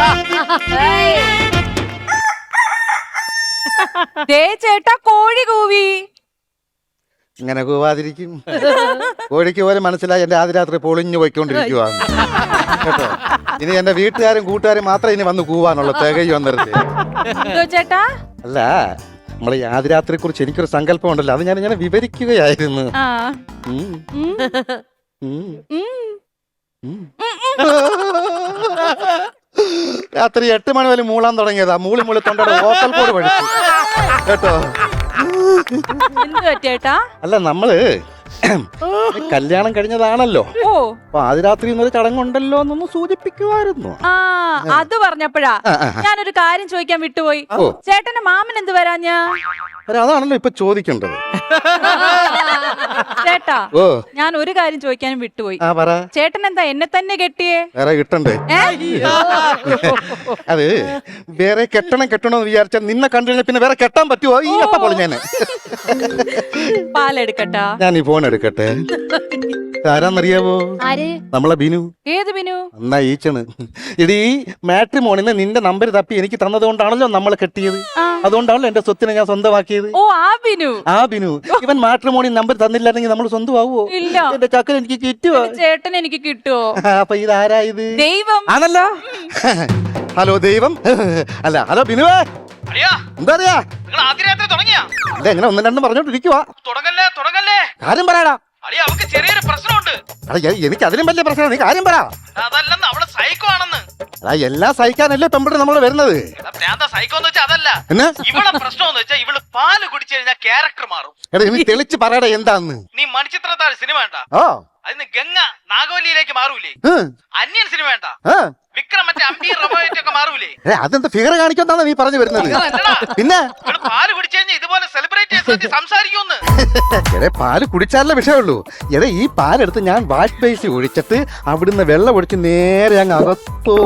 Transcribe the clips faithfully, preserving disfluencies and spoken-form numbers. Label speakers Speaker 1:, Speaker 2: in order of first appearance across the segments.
Speaker 1: ദേ ചേട്ടാ കോഴി കൂവി.
Speaker 2: ഇങ്ങനെ കൂവാതിരിക്കും? കോഴിക്ക് പോലെ മനസ്സിലായി എന്റെ ആദ്യ രാത്രി പൊളിഞ്ഞു പോയിക്കൊണ്ടിരിക്കുവാണ് കേട്ടോ. ഇനി എന്റെ വീട്ടുകാരും കൂട്ടുകാരും മാത്രം ഇനി വന്ന് കൂവാനുള്ള തികയും വന്നിരുന്നത്.
Speaker 1: എന്തോ ചേട്ടാ?
Speaker 2: അല്ല, നമ്മളെ ഈ ആദ്യ രാത്രിയെ കുറിച്ച് എനിക്കൊരു സങ്കല്പം ഉണ്ടല്ലോ, അത് ഞാൻ ഇങ്ങനെ വിവരിക്കുകയായിരുന്നു.
Speaker 1: ആ.
Speaker 2: ഉം.
Speaker 1: ഉം.
Speaker 2: ഉം.
Speaker 1: ഉം.
Speaker 2: ഉം. രാത്രി എട്ട് മണി വരെ മൂളാൻ തുടങ്ങിയതാ. മൂളി മൂളി തൊണ്ടയുടെ വോക്കൽ കോഡ് പഠിച്ചു കേട്ടോ.
Speaker 1: എന്തുവാ ചേട്ടാ?
Speaker 2: അല്ല, നമ്മള് കല്യാണം കഴിഞ്ഞതാണല്ലോ.
Speaker 1: ഓ,
Speaker 2: അപ്പൊ ആദ്യ രാത്രി എന്നൊരു ചടങ്ങുണ്ടല്ലോ എന്നൊന്ന് സൂചിപ്പിക്കുമായിരുന്നു.
Speaker 1: ആ അത് പറഞ്ഞപ്പോഴാ ഞാനൊരു കാര്യം ചോദിക്കാൻ വിട്ടുപോയി.
Speaker 2: ഓ.
Speaker 1: ചേട്ടന്റെ മാമൻ എന്ത് വരാഞ്ഞാ?
Speaker 2: അതാണല്ലോ ഇപ്പൊ ചോദിക്കേണ്ടത്.
Speaker 1: ചേട്ടാ,
Speaker 2: ഓ,
Speaker 1: ഞാൻ ഒരു കാര്യം ചോദിക്കാനും വിട്ടുപോയി.
Speaker 2: ആ പറ.
Speaker 1: ചേട്ടൻ എന്താ എന്നെ തന്നെ കെട്ടിയേ?
Speaker 2: വേറെ കിട്ടണ്ടേ? അത് വേറെ കെട്ടണം കെട്ടണമെന്ന് വിചാരിച്ചാൽ നിന്നെ കണ്ടു കഴിഞ്ഞാൽ പിന്നെ വേറെ കെട്ടാൻ പറ്റുമോ? ഈ അപ്പ പോലെ ഞാൻ
Speaker 1: പാലെടുക്കട്ടാ?
Speaker 2: ഞാൻ ഈ ഫോൺ എടുക്കട്ടെ. ആരാന്നറിയാവോ?
Speaker 1: ആര്?
Speaker 2: നമ്മളെ ബിനു.
Speaker 1: ഏത് ബിനു?
Speaker 2: എന്നാ ഈച്ചണ്. ഇടീ മാട്രിമോണിന്ന് നിന്റെ നമ്പർ തപ്പി എനിക്ക് തന്നത് കൊണ്ടാണല്ലോ നമ്മൾ കെട്ടിയത്. അതുകൊണ്ടാണല്ലോ എന്റെ സ്വത്തിനെ ഞാൻ സ്വന്തമാക്കിയത്.
Speaker 1: ഓ, ആ ബിനു.
Speaker 2: ആ ബിനു. ഇവൻ മാട്രിമോണി നമ്പർ തന്നില്ലായിരുന്നെങ്കിൽ നമ്മൾ സ്വന്തമാവോ?
Speaker 1: ഇല്ല.
Speaker 2: എന്റെ ചക്കൻ എനിക്ക് കിട്ടുവോ?
Speaker 1: ചേട്ടൻ എനിക്ക് കിട്ടുവോ?
Speaker 2: അപ്പൊ ഇതാരാ ഇത്?
Speaker 1: ദൈവം
Speaker 2: ആണല്ലോ. ഹലോ ദൈവം. അല്ല, ഹലോ ബിനുവേ. എന്താ അറിയാ? അല്ല, എങ്ങനെ ഒന്നും രണ്ടും പറഞ്ഞോണ്ടിരിക്കുവാ.
Speaker 3: തുടങ്ങല്ലേ തുടങ്ങല്ലേ
Speaker 2: കാര്യം പറയാടാ.
Speaker 3: അളിയ അവക്ക് ചെറിയൊരു പ്രശ്നമുണ്ട്.
Speaker 2: എനിക്ക് അതിലും വലിയ പ്രശ്നം. നീ കാര്യം പറ.
Speaker 3: അതല്ലെന്ന് അവള് സൈക്കോ ആണെന്ന്.
Speaker 2: അതാ എല്ലാം സഹിക്കാനല്ലേ പെമ്പിട്ട് നമ്മൾ വരുന്നത്.
Speaker 3: സൈക്കോ എന്ന് വെച്ചാൽ അതല്ല. ഇവളെ പ്രശ്നം എന്ന് വെച്ചാൽ ഇവള് പാല് കുടിച്ചു കഴിഞ്ഞാൽ ക്യാരക്ടർ മാറും.
Speaker 2: എടാ, നീ തെളിച്ച് പറയടാ എന്താന്ന്.
Speaker 3: നീ മണിച്ചിത്രത്താഴ് സിനിമ വേണ്ട.
Speaker 2: ഓ,
Speaker 3: അതിന് ഗംഗ നാഗവല്ലിയിലേക്ക് മാറൂലേ? അന്യൻ സിനിമ വേണ്ട. വിക്രം മറ്റേ അമ്പി റൊമാൻറ്റിക് ഒക്കെ മാറൂലേ?
Speaker 2: അതെന്താ ഫിഗർ കാണിക്കാന്നാണ് നീ പറഞ്ഞു വരുന്നത്? പിന്നെ
Speaker 3: പാല് കുടിച്ചു കഴിഞ്ഞാൽ ഇതുപോലെ സെലിബ്രേറ്റ് ചെയ്ത് സംസാരിക്കുമെന്ന്.
Speaker 2: എടേ, പാല് കുടിച്ചാലേ വിഷയമുള്ളൂ. എടേ, ഈ പാലെടുത്ത് ഞാൻ വാഷ് ബേസിൽ ഒഴിച്ചിട്ട് അവിടുന്ന് വെള്ളം ഒഴിച്ച് നേരെ അങ്ങ് അകത്തോ.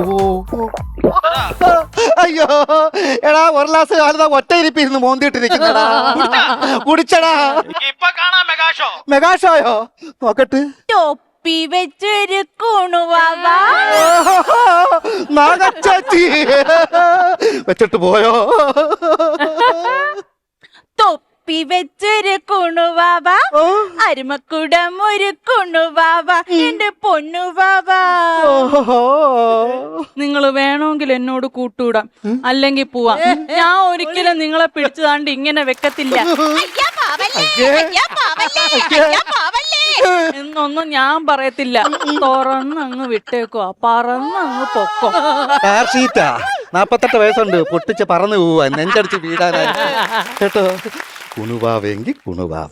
Speaker 2: അയ്യോ എടാ, ഒരു ഗ്ലാസ് കാലതാ ഒറ്റ ഇരിപ്പിരുന്ന് മോന്തിട്ടിരിക്കുന്നടാ. കുടിച്ചടാ.
Speaker 3: ഇപ്പൊ കാണാം മെഗാഷോ.
Speaker 2: മെഗാഷോയോ? നോക്കട്ട്.
Speaker 1: തൊപ്പി വെച്ചൊരു കുണുവാവാ.
Speaker 2: നാഗച്ചാച്ചി വെച്ചിട്ട് പോയോ?
Speaker 1: തൊപ്പി വെച്ചൊരു കുണുവാവാ, അരുമക്കുടം ഒരു കുണുവാവാ, എന്റെ പൊന്നുവാവാ. നിങ്ങൾ വേണമെങ്കിൽ എന്നോട് കൂട്ടുകൂടാം, അല്ലെങ്കിൽ പോവാം. ഞാൻ ഒരിക്കലും നിങ്ങളെ പിടിച്ചതാണ്ട് ഇങ്ങനെ വെക്കത്തില്ല എന്നൊന്നും ഞാൻ പറയത്തില്ല. തുറന്നങ്ങ് വിട്ടേക്കുവാ, പറന്നങ്ങ് പൊക്കോ.
Speaker 2: കാർഷീറ്റാ നാപ്പത്തെട്ട് വയസ്സുണ്ട്, പൊട്ടിച്ച് പറന്നു പോവാ, നെഞ്ചടിച്ച് വീടാനായി കേട്ടോ. കുണുവാവെങ്കിൽ കുണുവാവ.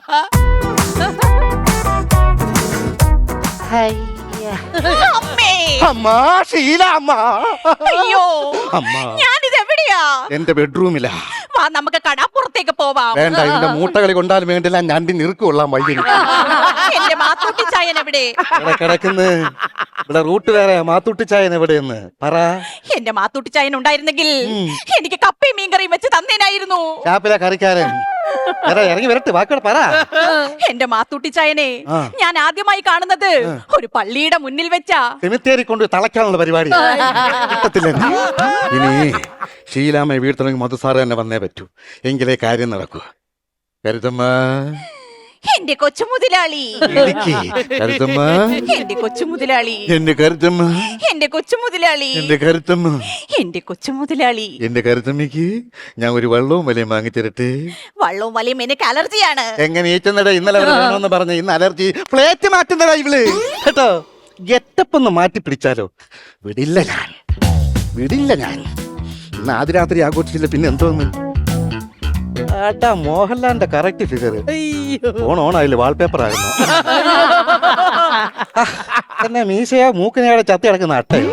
Speaker 2: അമ്മ ശീല അമ്മ.
Speaker 1: അയ്യോ,
Speaker 2: അമ്മ
Speaker 1: ഞാനിത് എവിടെയാ?
Speaker 2: എന്റെ ബെഡ്റൂമിലാ.
Speaker 1: വാ, നമുക്ക് കടാപ്പുറത്തേക്ക് പോവാം.
Speaker 2: വേണ്ട, ഇതിന്റെ മൂട്ടകളി കൊണ്ടാലും വേണ്ടില്ല, ഞണ്ടി നിറുക്കൊള്ളാൻ വയ്യ.
Speaker 1: എന്റെ മാത്തൂട്ടി ചായൻ എവിടെ?
Speaker 2: ഇവിടെ കിടക്കുന്നു. ഇവിടെ റൂട്ട് വേറെ. മാത്തൂട്ടി ചായൻ എവിടെയെന്ന് പറ.
Speaker 1: എന്റെ മാത്തൂട്ടി ചായൻ ഉണ്ടായിരുന്നെങ്കിൽ എനിക്ക് കപ്പയും മീൻകറിയും വെച്ച് തന്നേനായിരുന്നു.
Speaker 2: ചാപ്പിലെ കറിക്കാരൻ ഇറങ്ങി വരട്ടെ, വാക്കോടെ പറ.
Speaker 1: എന്റെ മാത്തൂട്ടി ചായനെ ഞാൻ ആദ്യമായി കാണുന്നത് ഒരു പള്ളിയുടെ മുന്നിൽ വെച്ചാ.
Speaker 2: സെമിത്തേരി കൊണ്ട് തളയ്ക്കാനുള്ള പരിപാടി കിട്ടത്തില്ല. ഇനി ഷീലാമ്മയെ വീഴ്ത്തണമെങ്കിൽ മധുസാറ് തന്നെ വന്നേ പറ്റൂ, എങ്കിലേ കാര്യം നടക്കൂ. കരുതമ്മ,
Speaker 1: എന്റെ കൊച്ചു മുതലാളി.
Speaker 2: കരുതമ്മ,
Speaker 1: എന്റെ കൊച്ചു മുതലാളി.
Speaker 2: എന്റെ കരുത്തമ്മ,
Speaker 1: എന്റെ കൊച്ചു മുതലാളി.
Speaker 2: എന്റെ കരുത്തമ്മ,
Speaker 1: എന്റെ കൊച്ചു മുതലാളി.
Speaker 2: എന്റെ കരുത്തമ്മയ്ക്ക് ഞാൻ ഒരു വെള്ളവും വലയും വാങ്ങിത്തരട്ടെ.
Speaker 1: വള്ളവും വലയും എനിക്ക് അലർജിയാണ്.
Speaker 2: എങ്ങനെ ഏറ്റുന്നടാ? ഇന്നലെ വേണമെന്ന് പറഞ്ഞ ഇന്ന് അലർജി. പ്ലേറ്റ് മാറ്റുന്നടാ ഇവള് കേട്ടോ. ഗെറ്റപ്പ് ഒന്ന് മാറ്റി പിടിച്ചാലോ? വിടില്ല ഞാൻ, വിടില്ല ഞാൻ. ഇന്ന് ആദ്യ രാത്രി ആഘോഷിച്ചില്ല, പിന്നെ എന്തോന്ന്. ഏട്ടാ, മോഹൻലാലിന്റെ കറക്റ്റ് ഫിഗർ. ഓൺ ഓൺ ആയില്ല, വാൾപേപ്പർ ആയിരുന്നു. എന്നെ മീശയാ മൂക്കിനെയാടെ ചത്തി കിടക്കുന്ന അട്ടയോ?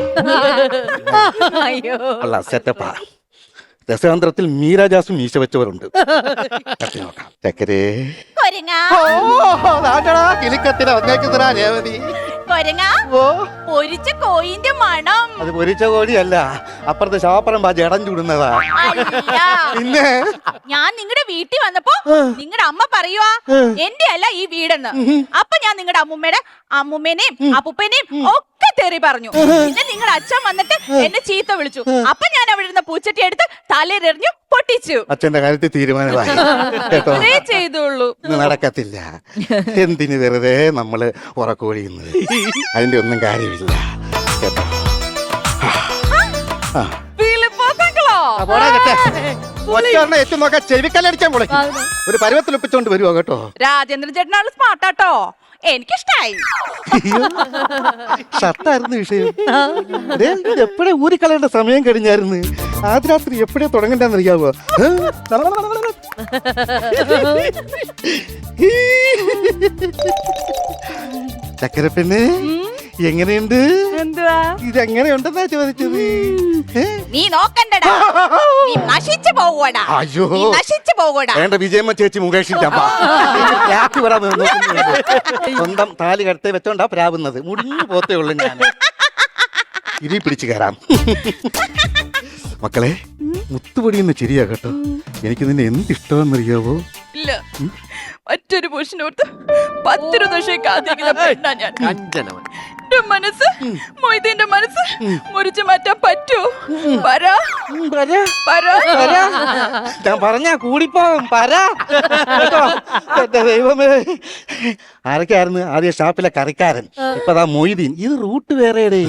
Speaker 2: അല്ല, സെറ്റപ്പാ. രസതന്ത്രത്തിൽ മീരാജാസും മീശ വെച്ചവരുണ്ട്. നോക്കാം. ചക്കരേ കിളിക്കത്തിനെ വന്നേക്കുന്നതാ രേവതി.
Speaker 1: പൊരിച്ച കോയിന്റെ മണം.
Speaker 2: അത് പൊരിച്ച കോഴിയല്ല, അപ്പുറത്തെ ശാപ്പറം ബാജ് ഇടം ചൂടുന്നതാ. പിന്നെ
Speaker 1: ഞാൻ നിങ്ങളുടെ വീട്ടിൽ വന്നപ്പോ നിങ്ങളുടെ അമ്മ പറയുവാ എന്റെ അല്ല ഈ വീടെന്ന്. അപ്പൊ ഞാൻ നിങ്ങളുടെ അമ്മൂമ്മയുടെ അമ്മൂമ്മേനെയും അപ്പൂപ്പനെയും ഒക്കെ
Speaker 4: തെറി പറഞ്ഞു. പിന്നെ നിങ്ങളുടെ അച്ഛൻ വന്നിട്ട് എന്നെ ചീത്ത വിളിച്ചു. അപ്പൊ ഞാൻ അവിടെ ഇരുന്ന പൂച്ചട്ടി എടുത്ത് തലയിലെറിഞ്ഞു പൊട്ടിച്ചു.
Speaker 2: അച്ഛന്റെ കാര്യത്തിൽ തീരുമാനമായി കേട്ടോ.
Speaker 4: അതേ ചെയ്തുള്ളൂ.
Speaker 2: ഇത് നടക്കത്തില്ല. എന്തിന് വെറുതെ നമ്മള് ഉറക്കൊഴിയുന്നത്? അതിന്റെ ഒന്നും കാര്യമില്ല കേട്ടോ. ആ.
Speaker 4: ഫിലിപ്പോസങ്ങളോ?
Speaker 2: ആ, പോടാ കേട്ടെ. ഒറ്റ എത്തി നോക്കാൻ ചെവിക്കല്ലടിച്ചാൻ പൊളിക്കും. ഒരു പരുവത്തിൽ ഒപ്പിച്ചോണ്ട് വരുവോ കേട്ടോ.
Speaker 4: രാജേന്ദ്രൻ ചേട്ടനാണ് സ്മാർട്ടാട്ടോ, എനിക്കിഷ്ടായി.
Speaker 2: ഷർട്ടായിരുന്നു വിഷയം. ദേ, ഇത് എപ്പോഴേ ഊരിക്കളയേണ്ട സമയം കഴിഞ്ഞായിരുന്നു. ആദ്യ രാത്രി എപ്പോഴേ തുടങ്ങണ്ടെന്ന് അറിയാവോ? ചക്കരപ്പെണ്ണ് എങ്ങനെയുണ്ട്?
Speaker 4: എന്തുവാ
Speaker 2: ഇതെങ്ങനെയുണ്ടെന്നാ ചോദിച്ചത്. ഏ?
Speaker 4: നീ നോക്കണ്ടടാ, നീ നശിച്ചു പോകൂടാ.
Speaker 2: അയ്യോ
Speaker 4: നീ നശിച്ചു പോകൂടാ.
Speaker 2: വേണ്ട, വിജയമ്മ ചേച്ചി മുകേഷിന്റെ അമ്മ. രാത്രി വരാൻ നോക്കുന്നുണ്ട്. സ്വന്തം താലി കടത്തെ വെച്ചോണ്ടാ പ്രാവുന്നത്. മുടിഞ്ഞു പോത്തേ ഉള്ളു ഞാൻ. ഇരി പിടിച്ചു കയറാം. മക്കളെ, മുത്തുപൊടിയെന്ന് ചിരിയാ കേട്ടോ. എനിക്ക് നിന്നെ എന്ത് ഇഷ്ടമെന്നറിയാവോ?
Speaker 4: ഇല്ല, മറ്റൊരു പുരുഷനോർത്ത് പത്തിരു ദശയെ കാത്തിരിക്കുന്ന പെണ്ണാ ഞാൻ. എന്റെ മനസ്സ്, മൊയ്തീന്റെ മനസ്സ് മുറിച്ചു മാറ്റാൻ പറ്റൂ? പറ പറ.
Speaker 2: ഞാൻ പറഞ്ഞാ കൂടിപ്പോവും. പരാ കേട്ടോ. എന്റെ ദൈവമേ, ആരൊക്കെയായിരുന്നു ആദ്യ ഷാപ്പിലെ കറിക്കാരൻ, ഇപ്പതാ മൊയ്തീൻ. ഇത് റൂട്ട് വേറെയുടെ.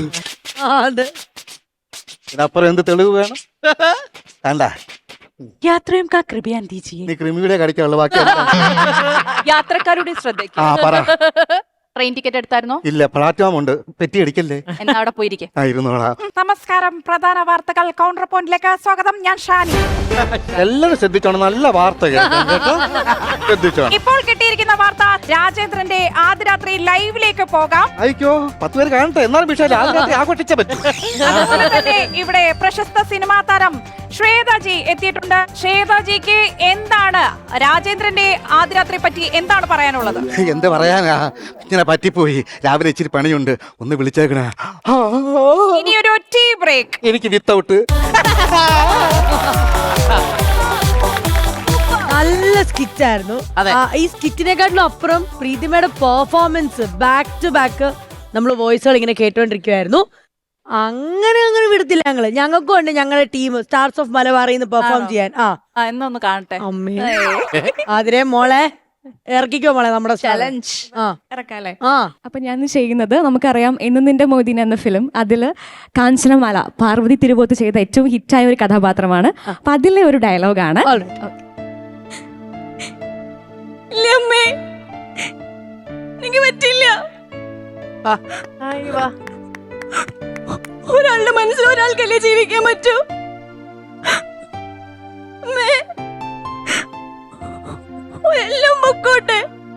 Speaker 2: ഇതിനപ്പുറം എന്ത് തെളിവ് വേണം? കണ്ട
Speaker 4: യാത്രയും കാ കൃപയാൻ ദീജിയെ.
Speaker 2: നീ ക്രിമിയുടെ കടിക്കാനുള്ള ബാക്കി
Speaker 4: യാത്രക്കാരുടെ ശ്രദ്ധയ്ക്ക്.
Speaker 2: ആ പറ.
Speaker 4: ട്രെയിൻ ടിക്കറ്റ് എടുത്തായിരുന്നോ?
Speaker 2: ഇല്ല, പ്ലാറ്റ്ഫോം ഉണ്ട്. പെറ്റി അടിക്കല്ലേ.
Speaker 4: എന്നാ അവിടെ പോയിരിക്കെ.
Speaker 2: ആ ഇരുന്നോളാം.
Speaker 4: നമസ്കാരം, പ്രധാന വാർത്തകൾ കൗണ്ടർ പോയിന്റിലേക്ക് സ്വാഗതം. ഞാൻ ഷാനി.
Speaker 2: എല്ലാവരും ശ്രദ്ധിച്ചോണം, നല്ല വാർത്ത കേൾക്കാം കേട്ടോ. ശ്രദ്ധിച്ചോണം.
Speaker 4: ഇപ്പോൾ കിട്ടിയിരിക്കുന്ന വാർത്ത, രാജേന്ദ്രന്റെ ആദ്യ രാത്രി ലൈവിലേക്ക് പോകാം.
Speaker 2: അയക്കോ, പത്ത് പേര് കാണട്ടെ. എന്നാലും വിഷയം ആദ്യ ആഘോഷിച്ച പറ്റും.
Speaker 4: അതുപോലെ തന്നെ ഇവിടെ പ്രശസ്ത സിനിമാ താരം ശ്വേതാജി എത്തിയിട്ടുണ്ട്. ശ്വേതാജിക്ക് എന്താണ് രാജേന്ദ്രന്റെ ആദ്യ രാത്രി പറ്റി എന്താണ് പറയാനുള്ളത്?
Speaker 2: എന്ത് പറയാനാ, ഇങ്ങനെ പറ്റിപ്പോയി. രാവിലെ ഇച്ചിരി പണിയുണ്ട്, ഒന്ന് വിളിച്ചേക്കണേ.
Speaker 4: ഇനിയൊരു ടീ ബ്രേക്ക്.
Speaker 2: എനിക്ക് വിത്തൗട്ട്.
Speaker 5: നല്ല സ്കിറ്റ് ആയിരുന്നു. ആ, ഈ സ്കിറ്റിനെക്കാട്ടിലും അപ്പുറം പ്രീതിമയുടെ പെർഫോമൻസ് ബാക്ക് ടു ബാക്ക് നമ്മൾ വോയിസുകൾ ഇങ്ങനെ കേട്ടോണ്ടിരിക്കുവായിരുന്നു. അങ്ങനെ അങ്ങനെ വിടത്തില്ല ഞങ്ങള്. ഞങ്ങൾക്കും ഉണ്ട് ഞങ്ങളുടെ ടീം സ്റ്റാർസ് ഓഫ് മലബാറിൽ നിന്ന് പെർഫോം ചെയ്യാൻ. ആ
Speaker 4: എന്നൊന്ന് കാണട്ടെ.
Speaker 5: അമ്മേ, അതിരെ മോളെ ഇറക്കിക്കോ മോളെ നമ്മുടെ
Speaker 4: ചലഞ്ച്.
Speaker 5: ആ
Speaker 4: ഇറക്കാല്ലേ?
Speaker 5: ആ
Speaker 6: അപ്പൊ ഞാൻ ചെയ്യുന്നത്, നമുക്കറിയാം എന്ന് നിന്റെ മോദിന എന്ന ഫിലിം, അതില് കാഞ്ചനമാല പാർവതി തിരുവോത്ത് ചെയ്ത ഏറ്റവും ഹിറ്റായ ഒരു കഥാപാത്രമാണ്. അപ്പൊ അതിലെ ഒരു ഡയലോഗാണ്.
Speaker 4: അമ്മേ, എനിക്ക് പറ്റില്ല. ഒരാളുടെ മനസ്സിൽ ഒരാൾക്കല്ലേ ജീവിക്കാൻ പറ്റൂ? അമ്മേ, എല്ലാം പൊക്കോട്ടെ,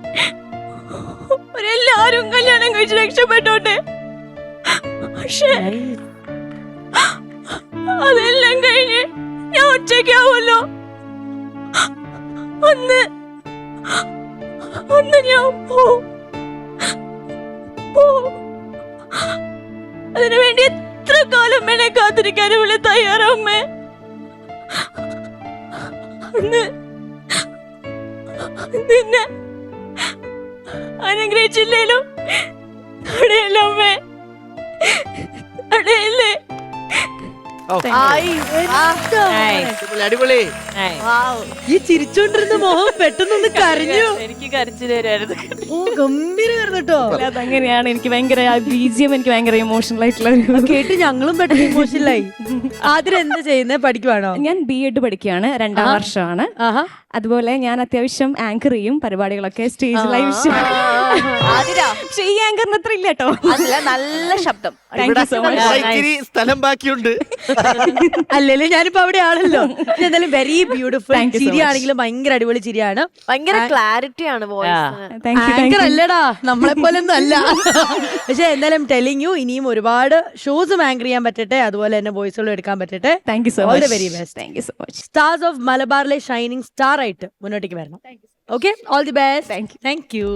Speaker 4: ഒരെല്ലാരും കല്യാണം കഴിച്ച് രക്ഷപ്പെട്ടോട്ടെ. പക്ഷേ അതെല്ലാം കഴിഞ്ഞ് ഞാൻ ഒറ്റയ്ക്കാവുമല്ലോ. ഒന്ന് ഒന്ന് ഞാൻ പോവും. അതിനു വേണ്ടി എത്ര കാലം എന്നെ കാത്തിരിക്കാൻ ഇവിടെ തയ്യാറമ്മേ. അന്ന് നിന്നെ അനുഗ്രഹിച്ചില്ലേലും തടയല്ലേ അമ്മേ, തടയല്ലേ.
Speaker 3: അടിപൊളി.
Speaker 5: ഈ ചിരിച്ചോണ്ടിരുന്ന മോഹം പെട്ടെന്നൊന്ന് കരഞ്ഞു.
Speaker 4: എനിക്ക് കരച്ചിൽ വരുമായിരുന്നു.
Speaker 5: ഓ, ഗംഭീരമായിരുന്നു കേട്ടോ.
Speaker 6: അതങ്ങനെയാണ്. എനിക്ക് ഭയങ്കര ബീജിയം, എനിക്ക് ഭയങ്കര ഇമോഷണൽ ആയിട്ടുള്ള ഒരു
Speaker 5: കേട്ട് ഞങ്ങളും പെട്ടെന്ന് ഇമോഷണലായി. ആദ്യം എന്താ ചെയ്യുന്നത്? പഠിക്കുവാണോ?
Speaker 6: ഞാൻ ബി എഡ് പഠിക്കുകയാണ്, രണ്ടാം വർഷമാണ്.
Speaker 5: ആഹാ.
Speaker 6: അതുപോലെ ഞാൻ അത്യാവശ്യം ആങ്കർ ചെയ്യും പരിപാടികളൊക്കെ, സ്റ്റേജ് ലൈവ്. പക്ഷെ ഈ ആങ്കറിന് അത്ര ഇല്ല കേട്ടോ.
Speaker 4: നല്ല ശബ്ദം.
Speaker 3: ഇച്ചിരി സ്ഥലം ബാക്കിയുണ്ട്.
Speaker 5: അല്ലല്ലോ, ഞാനിപ്പോ അവിടെ ആണല്ലോ. എന്തായാലും വെരി ബ്യൂട്ടിഫുൾ. ചിരിയാണെങ്കിലും ഭയങ്കര അടിപൊളി ചിരിയാണ്.
Speaker 7: ഭയങ്കര ക്ലാരിറ്റി ആണ്
Speaker 5: ആങ്കർ അല്ലടാ, നമ്മളെ പോലെ ഒന്നും അല്ല. പക്ഷെ എന്തായാലും ടെലിങ് യു, ഇനിയും ഒരുപാട് ഷോസും ആങ്കർ ചെയ്യാൻ പറ്റട്ടെ, അതുപോലെ തന്നെ വോയിസുകളും എടുക്കാൻ പറ്റട്ടെ.
Speaker 6: Thank you so
Speaker 5: all
Speaker 6: much.
Speaker 5: The very best.
Speaker 6: Thank you so much.
Speaker 5: Stars of മലബാറിലെ ഷൈനിങ് സ്റ്റാർ ആയിട്ട് മുന്നോട്ടേക്ക് വരണം. Okay, all the best. Thank you.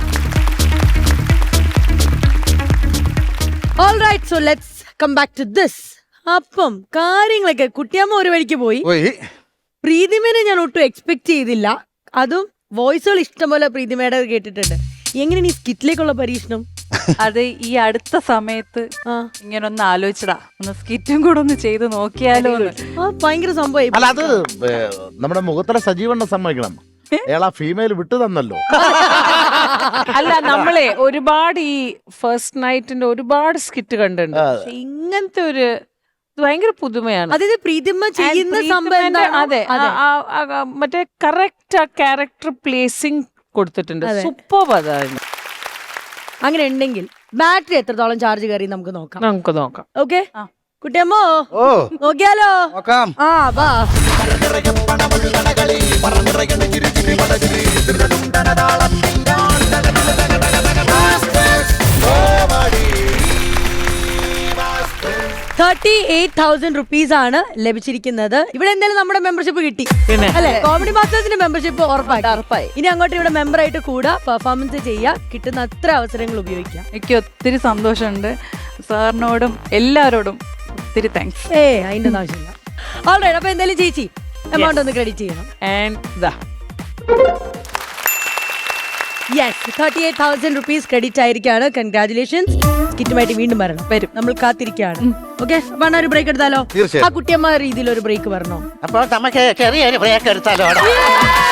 Speaker 5: All right, so let's come back to this. അപ്പം കാര്യങ്ങളൊക്കെ കുട്ടിയമ്മ ഒരു വഴിക്ക് പോയി. പ്രീതിമേനെ ഞാൻ ഒട്ടും എക്സ്പെക്ട് ചെയ്തില്ല. അതും വോയിസുകൾ ഇഷ്ടംപോലെ പ്രീതിമയുടെ കേട്ടിട്ടുണ്ട്. എങ്ങനെ ഈ സ്കിറ്റിലേക്കുള്ള പരീക്ഷണം?
Speaker 1: അത് ഈ അടുത്ത സമയത്ത്
Speaker 5: ആ.
Speaker 1: ഇങ്ങനെ ഒന്ന് ആലോചിച്ചടാ, ഒന്ന് സ്കിറ്റും കൂടെ ഒന്ന് ചെയ്ത് നോക്കിയാലോ എന്ന്.
Speaker 5: ആ, ഭയങ്കര സംഭവം
Speaker 8: അല്ല അത് ഏ, നമ്മുടെ മുഖത്തല സജീവണ്ണ സമ്മതിക്കണം. അയാൾ ആ ഫീമെയിൽ വിട്ടു തന്നല്ലോ.
Speaker 9: അല്ല നമ്മളെ ഒരുപാട് ഈ ഫസ്റ്റ് നൈറ്റിന്റെ ഒരുപാട് സ്കിറ്റ് കണ്ടിട്ടുണ്ട്. പക്ഷെ ഇങ്ങനത്തെ ഒരു ഇത് ഭയങ്കര പുതുമയാണ്.
Speaker 5: അതായത് പ്രീതിമ ചെയ്യുന്ന സംഭവം
Speaker 9: പ്രീതിമേന്റെ-
Speaker 5: എന്താണോ?
Speaker 9: അതെ
Speaker 5: അതെ.
Speaker 9: ആ- ആ- ആ- മറ്റേ കറക്റ്റ് ആ ക്യാരക്ടർ പ്ലേസിംഗ് കൊടുത്തിട്ടുണ്ട്.
Speaker 5: അതെ.
Speaker 9: സൂപ്പർ അതാണ്.
Speaker 5: അങ്ങനെ ഉണ്ടെങ്കിൽ ബാറ്ററി എത്രത്തോളം ചാർജ് കയറി നമുക്ക് നോക്കാം.
Speaker 9: നമുക്ക് നോക്കാം.
Speaker 5: ഓക്കെ
Speaker 1: ആ.
Speaker 5: കുട്ടിയമ്മോ
Speaker 2: ഓ
Speaker 5: നോക്കിയാലോ?
Speaker 2: നോക്കാം.
Speaker 5: ആ വാ. തേർട്ടി എയ്റ്റ് തൗസൻഡ് റുപ്പീസ് ആണ് ലഭിച്ചിരിക്കുന്നത്. ഇവിടെ എന്തായാലും നമ്മുടെ മെമ്പർഷിപ്പ് കിട്ടി അല്ലെ? കോമഡി മാസ്റ്റേഴ്സിന്റെ മെമ്പർഷിപ്പ് ഉറപ്പായി
Speaker 7: ഉറപ്പായി.
Speaker 5: ഇനി അങ്ങോട്ട് ഇവിടെ മെമ്പർ ആയിട്ട് കൂടാ, പെർഫോമൻസ് ചെയ്യാ, കിട്ടുന്ന അത്ര അവസരങ്ങൾ ഉപയോഗിക്കാം.
Speaker 1: എനിക്ക് ഒത്തിരി സന്തോഷമുണ്ട്. സാറിനോടും എല്ലാവരോടും ഒത്തിരി താങ്ക്സ്.
Speaker 5: ഏ അതിന്റെ ആവശ്യമില്ല. ഓൾറൈറ്റ്, അപ്പൊ എന്തായാലും ചേച്ചി എമൗണ്ട് ഒന്ന് ക്രെഡിറ്റ് ചെയ്യണം.
Speaker 9: ആൻഡ് ദാ
Speaker 5: yes, thirty eight thousand rupees credit ആയിരിക്കാണ്. കൺഗ്രാറ്റുലേഷൻസ്. സ്കിറ്റുമായിട്ട് വീണ്ടും വരണം. വരും, നമ്മൾ കാത്തിരിക്കുകയാണ്. ഓക്കെ, വേണ ഒരു ബ്രേക്ക് എടുത്താലോ?
Speaker 2: തീർച്ചയായും.
Speaker 5: ആ കുട്ടിയമ്മ രീതിയിൽ ഒരു ബ്രേക്ക് വരണോ?
Speaker 2: അപ്പൊ നമുക്ക് ചെറിയൊരു ബ്രേക്ക് എടുത്താലോ?